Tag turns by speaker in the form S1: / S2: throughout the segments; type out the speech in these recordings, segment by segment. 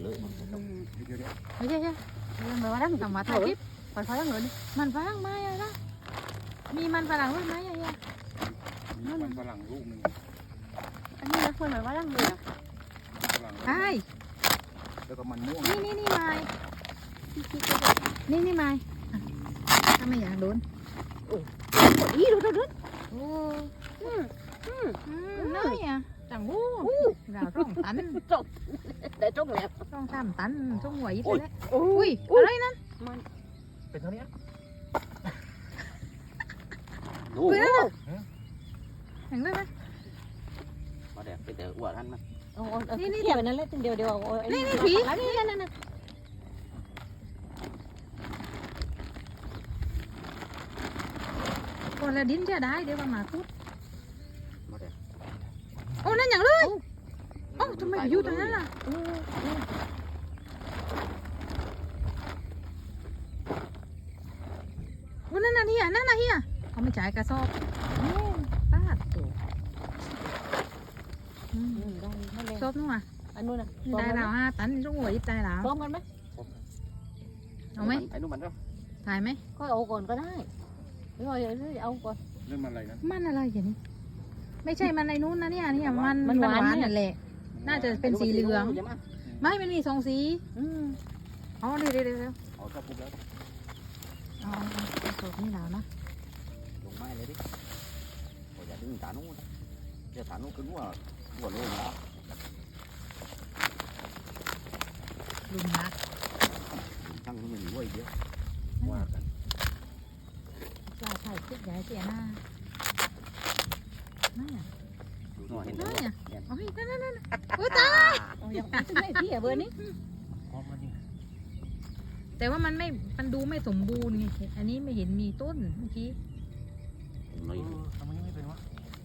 S1: เลย
S2: ไม่ใช่แบบว่าดังทำมาถ่ายคลิปมันฝรั่งเลยมันฝรั่งไหมอะไรนะมีมันฝรั่งด้วยไหมอะไรอ่ะ
S3: มีมันฝรั่งลูกหนึ่ง
S2: อันนี้นะคนแบบว่าดังเลยอ่ะ
S3: ฝรั่ง
S2: ใช่
S3: แล้วก็มันม่วง
S2: นี่ไม้นี่ไม้ถ้าไม่อยากโดนโอ้ยดูโอ้น้อยอ่ะจังวูดาวต้องตัน
S4: ได้จบแล้ว
S2: ต้องทำตันต้องหัวยิ่งเลยอุ้ยอะไรนั่น
S1: เป็นเท่านี้
S4: ดู
S2: เห็นด้วยไหม
S1: มาแดกเป็นแต่อ้วนท่านมั้ย
S4: นี่เกี่ยวนั่นแหละเดี๋ยวนี่ผีนั่น
S2: คนละดินจะได้เดี๋ยวมาพูด
S1: มาแดก
S2: โอ้นั่นอย่างเลยโอ้ทำไมอยู่ตรงนั้นล่ะโอ้นั่นน่ะเฮียเขาไม่จ่ายกระสอบป้าตัวชอบนู่นอ่ะ
S4: อันนู้นน่ะ
S2: ได้เรา5 ตันต้องหัวยิบได้แล้ว
S4: พร้อมกันไหม
S2: เอาไหม
S1: ไอ้นู่นมันก็
S2: ถ่ายไหม
S4: ก็เอาก่อนก็ได้ไม่ว่าเอาก่อน
S3: เรื่องมันอะไรนะ
S2: มันอะไรอย่างนี้ไม่ใช่มันในนู้นนะเนี่ยมันหวานนั่นแหละน่าจะเป็นสีเหลืองไม่มันมี2 สีอ๋อเดี๋ยว
S1: เอาชอบปุ๊บแล้ว
S2: อ๋อสดนี่แล้วนะ
S1: ลงไม้เลยดิอย่าดึงฐานนู้นเดี๋ยวฐานนู้นขึ้นหัวเลยนะ
S2: ลุงนัก
S1: ทั้งนู้นมันหัวอีกเยอะว่ากัน
S2: ปลาไข่คิดใหญ่เสียหน้านั่นอ่ะ
S1: ดูหน่อยเห็น
S2: นั่น
S1: ไหม
S2: อ่ะโอ้ยนั่นโอ้ตาย
S4: ยังไม่พี่เบอร์นี้
S1: พร้อมมันนี่
S2: แต่ว่ามันดูไม่สมบูรณ์ไงอันนี้ไม่เห็นมีต้นเมื่อกี้
S1: หน่อยทำไมไม่เป็นวะ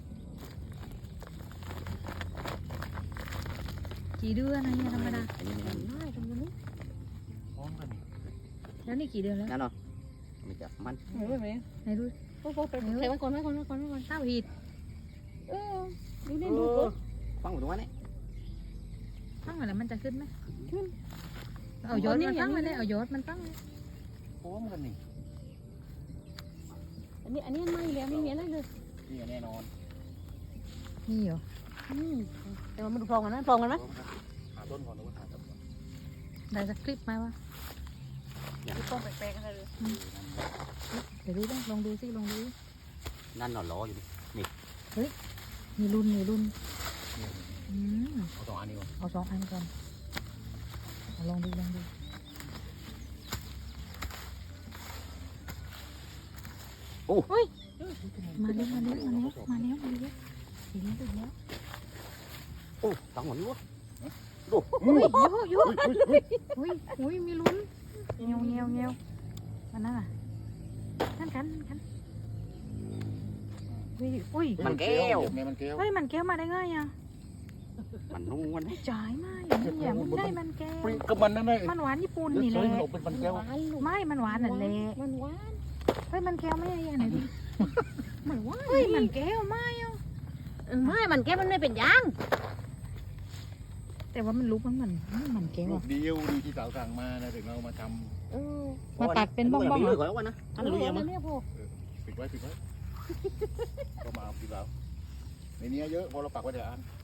S2: กี่เดือนนะเนี่ยธรรมดา
S1: อันนี้มัน
S4: ได้ตรงนี้
S1: พร้อมกัน
S2: แล้วนี่กี่เดือนแล้ว
S1: นั่นเนาะมันจะมัน
S4: ไม่ไหม
S2: ไหนดู
S4: โอ้โหไปใส่ไว้ก่อน
S2: เต้าหีด
S4: ดูนี่ดูก่อน
S1: ฟังผมตรงนี้
S2: ตั้งอะไรมันจะขึ้นไหมเอายอดมันตั้งเลยเอายอดมันตั้งเลย
S1: พร้อมกันนี่
S4: อันนี้ไม่แล้วไม่มีอะไรเลย
S3: นี่แน่นอน
S2: นี่เหรอ
S4: แต่มันดูพร้อมกันนะพร้อมกันไหม
S1: หาต้นก่อนหรือว่าหาต้นก่อน
S2: ได้สักคลิปไหมวะ
S4: ต้องแปลกๆอะไรเลย
S2: เดี๋ยวดูลองดูสิลองดู
S1: นั่นนอนรออยู่
S2: มีรุ่น
S1: เอา2 อันนี้ก่อน
S2: เอา2 อันก่อนลองดู
S1: โอ้
S2: มาเร็วเห็นแล้ว
S1: โอ้ตังหมดนี่วะ
S2: อุ้ยเยอะอุ้ยมีลุ้นเงี้ยวมันนั่นอ่ะนั่นกันอุ้ย
S1: มันแก้ว
S3: ไงมันแก้ว
S2: เฮ้ยมันแก้วมาได้ไงอ่ะ
S1: มันนุ่มมัน
S2: จ่ายมาอย่างนี้อย่ามันได้มันแก้ว
S3: ก็มันนั่นเลย
S2: มันหวานญี่ปุ่นนี่แหละ
S3: เป็นมันแก้ว
S2: ไม่มันหวานนั่นแหละ
S4: มันหวาน
S2: เฮ้ยมันแก้วไม่ได้ยังไงดิ
S4: มันหวาน
S2: เฮ้ยมันแก้วไม่อ่ะ
S4: ไม่มันแก้มันไม่เป็นยาง
S2: แต่ว่ามันรู้มันแก้ว
S3: ลู
S2: อ่ะ
S3: กเดียวดีที่สาวสั่งมานะถึงเรามาท
S2: มาตัดเป็นบ้องๆ
S1: เล
S2: เหร
S1: ย
S2: อ
S1: ก่อนแล้วกันนะ
S4: อันนี้เนี่ยพอ
S3: ำปิดไว้ก็มาเอาพี่สาวในนี้เยอะพอเราปักไว้เดี๋ยวอัน